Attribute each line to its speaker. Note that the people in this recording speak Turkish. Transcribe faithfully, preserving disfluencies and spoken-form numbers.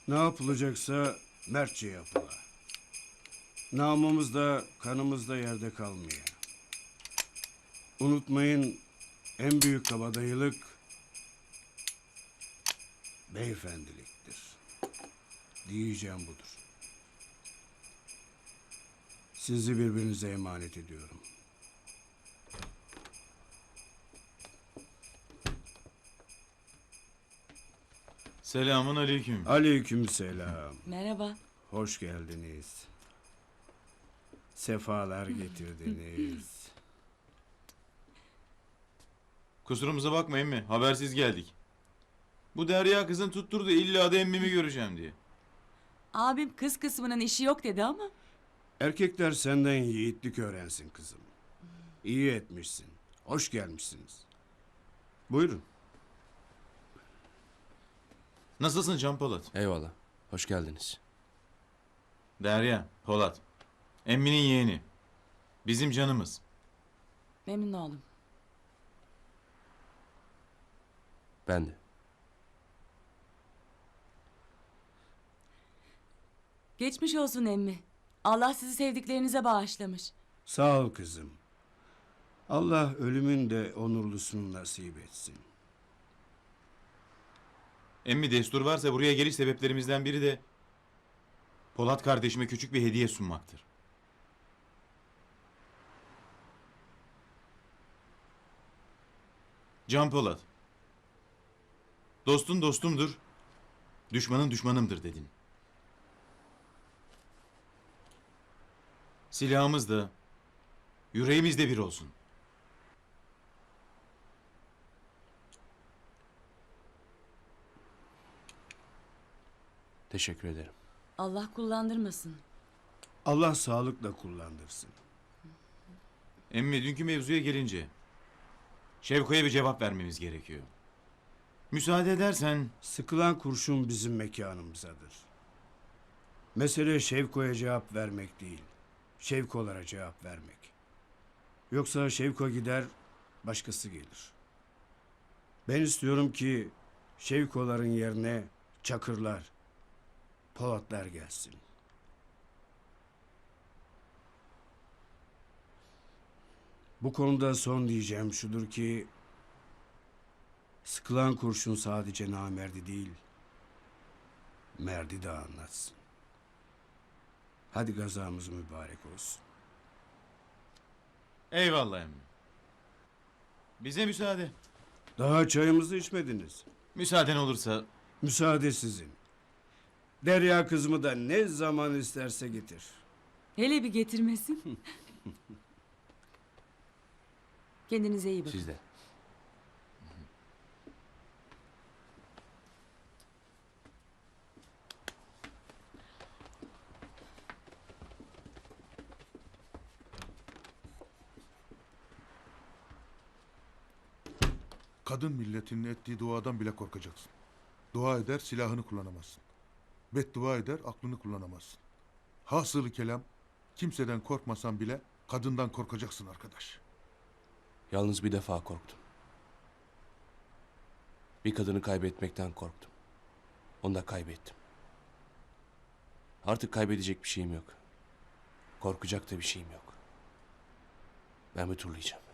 Speaker 1: Ne yapılacaksa mertçe yapıla. Namımız da kanımız da yerde kalmıyor. Unutmayın, en büyük kabadayılık beyefendiliktir. Diyeceğim budur. Sizi birbirinize emanet ediyorum.
Speaker 2: Selamun aleyküm.
Speaker 1: Aleykümselam.
Speaker 3: Merhaba.
Speaker 1: Hoş geldiniz. Sefalar getirdiniz.
Speaker 2: Kusurumuza bakmayın mı? Habersiz geldik. Bu Derya kızın tutturdu illa da emmimi göreceğim diye.
Speaker 3: Abim kız kısmının işi yok dedi ama.
Speaker 1: Erkekler senden yiğitlik öğrensin kızım. İyi etmişsin. Hoş gelmişsiniz. Buyurun.
Speaker 2: Nasılsın Can Polat?
Speaker 4: Eyvallah. Hoş geldiniz.
Speaker 2: Derya, Polat. Emminin yeğeni. Bizim canımız.
Speaker 3: Memnun oldum.
Speaker 4: Ben de.
Speaker 3: Geçmiş olsun emmi. Allah sizi sevdiklerinize bağışlamış.
Speaker 1: Sağ ol kızım. Allah ölümün de onurlusunu nasip etsin.
Speaker 2: Emmi destur varsa buraya geliş sebeplerimizden biri de Polat kardeşime küçük bir hediye sunmaktır. Can Polat. Dostun dostumdur, düşmanın düşmanımdır dedin. Silahımız da, yüreğimiz de bir olsun.
Speaker 4: Teşekkür ederim.
Speaker 3: Allah kullandırmasın.
Speaker 1: Allah sağlıkla kullandırsın.
Speaker 2: Emmi dünkü mevzuya gelince Şevko'ya bir cevap vermemiz gerekiyor. Müsaade edersen
Speaker 1: Sıkılan kurşun bizim mekanımızadır. Mesele Şevko'ya cevap vermek değil, Şevko'lara cevap vermek. Yoksa Şevko gider, başkası gelir. Ben istiyorum ki Şevko'ların yerine Çakırlar, Polatlar gelsin. Bu konuda son diyeceğim şudur ki sıkılan kurşun sadece namerdi değil, merdi de anlatsın. Hadi gazamız mübarek olsun.
Speaker 2: eyvallah emmi. Bize müsaade.
Speaker 1: Daha çayımızı içmediniz.
Speaker 2: Müsaaden olursa
Speaker 1: Müsaade sizin. Derya kızımı da ne zaman isterse getir.
Speaker 3: Hele bir getirmesin. Kendinize iyi bakın.
Speaker 4: Siz de.
Speaker 5: Kadın milletinin ettiği duadan bile korkacaksın. Dua eder, silahını kullanamazsın. Beddua eder, aklını kullanamazsın. Hasılı kelam, kimseden korkmasan bile kadından korkacaksın arkadaş.
Speaker 4: Yalnız bir defa korktum. Bir kadını kaybetmekten korktum. Onu da kaybettim. Artık kaybedecek bir şeyim yok. Korkacak da bir şeyim yok. Ben bir turlayacağım.